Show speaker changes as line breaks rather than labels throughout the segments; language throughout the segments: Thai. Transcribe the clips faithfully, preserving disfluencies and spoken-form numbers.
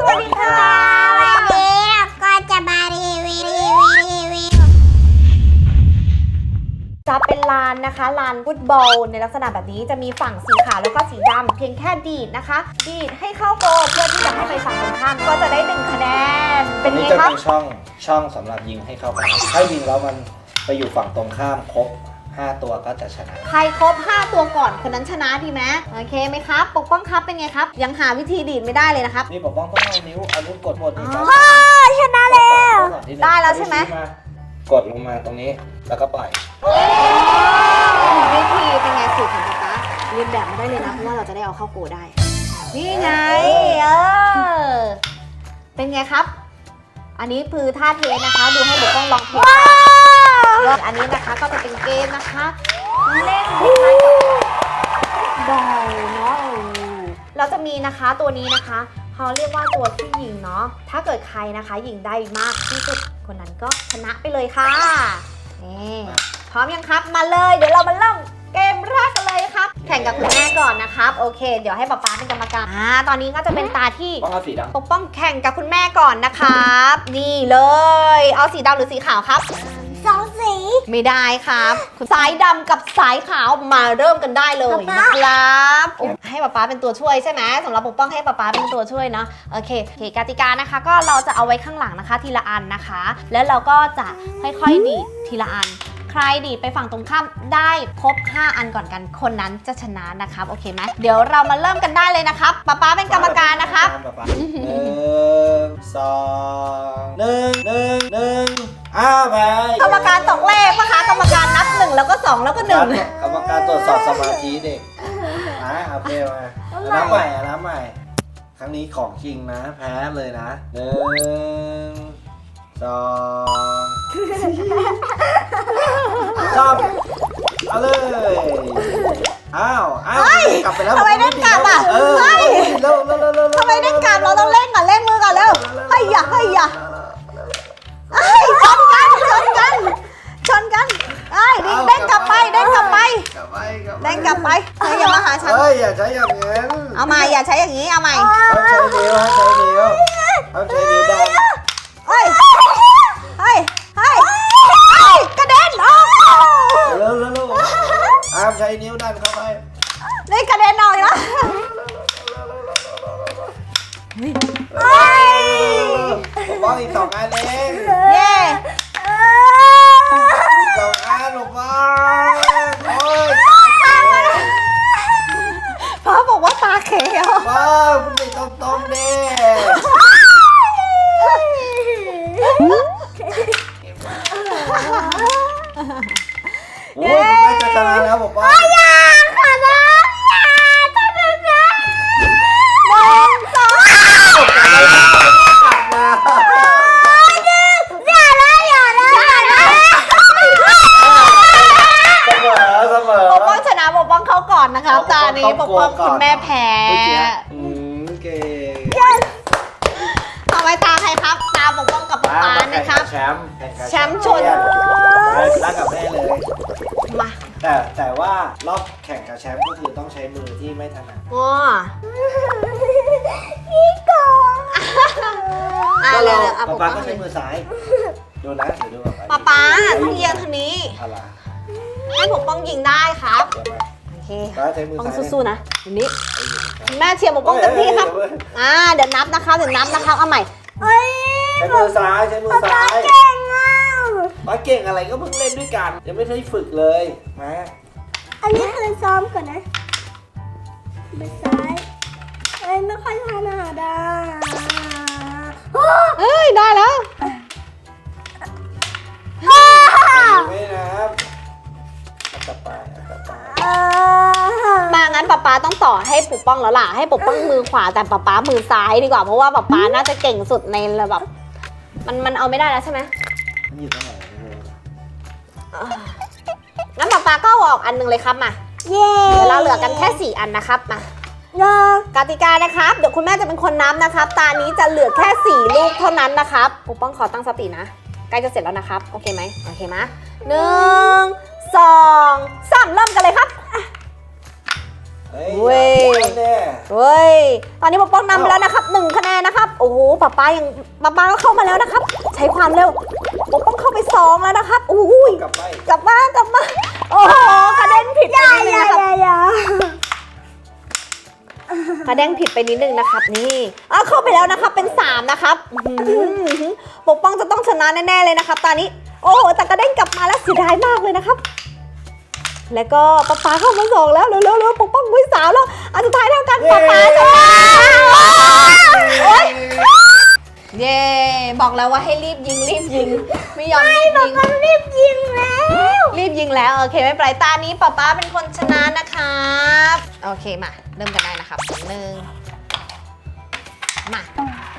วัสดีค่ะวันนี้ก็จะมารีวิวรีวิวรีวิวจะเป็นลานนะคะลานฟุตบอลในลักษณะแบบนี้จะมีฝั่งสีขาวแล้วก็สีดำเพียงแค่ดีดนะคะดีดให้เข้าโกลเพื่อที่จะให้ไปฝั่งตรงข้ามก็จะได้หนึ่งคะแนนเป็นไงครับ
นี่จะเป็นช่องช่องสำหรับยิงให้เข้าไปถ้ายิงแล้วมันไปอยู่ฝั่งตรงข้ามครบห้าตัวก็จะชนะ
ใครครบห้าตัวก่อนคนนั้นชนะดีไหมโอเคไหมครับปกป้องครับเป็นไงครับยังหาวิธีดีดไม่ได้เลยนะครับ
นี่ปกป้องต้องเอานิ้วเอานิ้วกดหมดนี่ครับ
ชนะแล้วได้แล้วใช่ไหม
กดลงมาตรงนี้แล้วก็ปล่อย
วิธีเป็นไงสูตรของป๊าป๊าเรียนแบบมาได้เลยนะเพราะว่าเราจะได้เอาเข้าโกได้นี่ไงเออเป็นไงครับอันนี้คือท่าเทสนะคะดูให้ปกป้องลองเทสอันนี้นะคะก็จะเป็นเกมนะคะเล่นคล้ายๆกับบอลเนาะเราจะมีนะคะตัวนี้นะคะเขาเรียกว่าตัวที่ยิงเนาะถ้าเกิดใครนะคะยิงได้มากที่สุดคนนั้นก็ชนะไปเลยค่ะนี่พร้อมยังครับมาเลยเดี๋ยวเรามาเริ่มเกมแรกกันเลยครับแข่งกับคุณแม่ก่อนนะครับโอเคเดี๋ยวให้ป๊าป๊าเป็นกรรมการอ่าตอนนี้ก็จะเป็นตาที่ปกป้องแข่งกับคุณแม่ก่อนนะครับนี่เลยเอาสีดำหรือสีขาวครับสองสีไม่ได้ครับสายดำกับสายขาวมาเริ่มกันได้เลยนะครับให้ป๊าป๊าเป็นตัวช่วยใช่ไหมสำหรับปกป้องให้ป๊าป๊าเป็นตัวช่วยเนาะโอเคโอเคกติกานะคะก็เราจะเอาไว้ข้างหลังนะคะทีละอันนะคะแล้วเราก็จะค่อยๆดีดทีละอันใครดีดไปฝั่งตรงข้ามได้ครบห้าอันก่อนกันคนนั้นจะชนะนะครับโอเคไหมเดี๋ยวเรามาเริ่มกันได้เลยนะครับป๊าป๊าเป็นกรรมการนะครับ
หนึ่งสองหนึ่งหนึ่งหนึ่งอ้าวไป
กรรมการตกเลขนะคะกรรมการนับหนึ่งแล้วก็สองแล้วก็หนึ่ง
กรรมการตรวจสอบสมาธิเด็กนะโอเคมาน้ำใหม่น้ำใหม่ครั้งนี้ของจริงนะแพ้เลยนะหนึ่งสองชอบเอาเลยอ้าวอ้าวกลับไปแล้ว
ทำไมได้กลับอ่ะ
เออเร็วเร็วเร็วเร็ว
ทำไมได้กลับเราต้องเล่นก่อนเล่นมือก่อนเร็วเฮ้ยอย่าเฮ้ยอย่าเฮ้ยชนกันชนกันชนกันเอ้ยดิ้งเด้งกลับไปเด้งกลับไปเด้งกลับไปเฮ้ยอย่ามาหาฉัน
เฮ้ยอย่าใช้อย่างนี้
เอาใหม่อย่าใช้อย่างนี้เอาใหม่
ต้องใช้นิ้วใช้นิ้วต้องใช้นิ้วดัน
เฮ้ยเฮ้ยเฮ้ยกระเด็นออก
เร็วเร็วอ้ามใช้นิ้วดันเข้าไป
นี่กระเด็นออกแล้ว
เฮ้ยผมบอกอีกสองอันเอง
เย้
อีกสองอันผมบอกโอ้ย
พ่อบอกว่าตาเขียว
ว้าคุณไปตรงตรงดิโอ้ยไม่จะชนะแล้วผมว่า
อย่าขอร้องอย่าทำแบบนั้นหนึ่งสองอย่าละอย่าละอย่าละ
เสมอเสมอ
ปกป้องชนะปกป้องเขาก่อนนะคะตานี้ปกป้องคุณแม่แพ้
อืมเก่ง
เอาไว้ตาใครครับตาปกป้องกับป๊าป๊านะครับ
แชมป์
แชมป์ชน
รักกับแม่เลย
มา
แต่แต่ว่ารอบแข่งกับแชมป์ก็คือต้องใช้มือที่ไม่ถนัด
อ๋อนี่ก่อนอ่ะ
ก็
เลย
เราป๊าก็ใช้มือซ้ายดูนะเดี๋ยวดู
ป๊าป๊าต้องเอียงทางนี้ให้ปกป้องยิงได้ครับโอเคต้องสู้ๆนะทีนี้แม่เชียร์ปกป้องเต็มที่ครับอ่าเดี๋ยวนับนะครับเดี๋ยวนับนะครับเอาใหม่
ใช้มือซ้ายใช้มือซ้ายเก่งอ่ะป๊าเก่งอะไรก็เพิ่งเล่นด้วยกันยังไม่ได้ฝึกเลยมา
อันนี้คือซ้อมก่อนนะมือซ้ายเอ้ยไม่ค่อยถนัดอ่ะเฮ้ยได้แล้ว
ไม่นะครับกลับไปกลับไป
มางั้นป๊าป๊าต้องต่อให้ปกป้องแล้วล่ะให้ปกป้องมือขวาแต่ป๊าป๊ามือซ้ายดีกว่าเพราะว่าป๊าป๊าน่าจะเก่งสุดในระดับมันมันเอาไม่ได้แล้วใช่ไหม
มันอยู่ตรงไหน
งั้นป๊าป๊าก็ออกอันนึงเลยครับมาเย้เดี๋ยวเราเหลือกันแค่สี่อันนะครับมากติกานะครับเดี๋ยวคุณแม่จะเป็นคนนับนะครับตานี้จะเหลือแค่สี่ลูกเท่านั้นนะครับปกป้องขอตั้งสตินะใกล้จะเสร็จแล้วนะครับโอเคไหมโอเคไหมหนึ่งสองสามเริ่มกันเลยครับ
เว้ย
เว้ยตอนนี้ปกป้องนำไปแล้วนะครับหนึ่งคะแนนนะครับโอ้โหป๊าป๊ายังป๊าป๊าก็เข้ามาแล้วนะครับ ใช้ความเร็วปกป้องเข้าไปสองแล้วนะครับอุ้ย
กลับไป
กลับมากลับมาโอ้โหกระเด็นผิดไปนิดนึงนะครับกระเด้งผิดไปนิดนึงนะครับนี่อ่ะเข้าไปแล้วนะครับเป็นสามนะครับอื้อหือปกป้องจะต้องชนะแน่ๆเลยนะครับตอนนี้โอ้โหแต่กระเด้งกลับมาแล้วเสียดายมากเลยนะครับ แล้วก็ป๊าป๊าเข้ามาสองแล้วเร็วๆเร็วปกป้องมือสาวแล้วอันสุดท้ายเท่ากันป๊าป๊าชนะโอ๊ยเย้บอกแล้วว่าให้รีบยิงรีบยิงไม่ยอมรีบยิงรีบยิงแล้วรีบยิงแล้วโอเคไม่เป็นไรตานี้ป๊าป๊าเป็นคนชนะนะครับโอเคมาเริ่มกันได้นะครับหนึ่งมา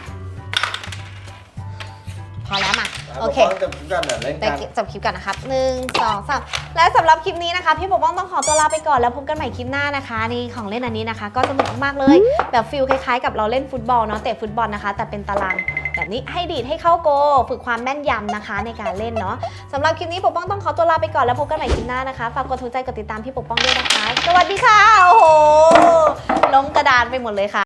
พอแล้วมาโอเค
จบกันเล่น
แต่
กัน
จบคลิปก่อนนะครับหนึ่งสองสามและสำหรับคลิปนี้นะคะพี่ปกป้องต้องขอตัวลาไปก่อนแล้วพบกันใหม่คลิปหน้านะคะนี่ของเล่นอันนี้นะคะ ก็สนุกมากๆเลยแบบฟิลคล้ายๆกับเราเล่นฟุตบอลเนาะเตะฟุตบอลนะคะ แต่เป็นตารางแบบนี้ให้ดีดให้เข้าโกฝึกความแม่นยำนะคะในการเล่นเนาะสำหรับคลิปนี้ปกป้องต้องขอตัวลาไปก่อนแล้วพบกันใหม่คลิปหน้านะคะฝากกดถูกใจกดติดตามพี่ปกป้องด้วยนะคะสวัสดีค่ะโอ้โหล้มกระดานไปหมดเลยค่ะ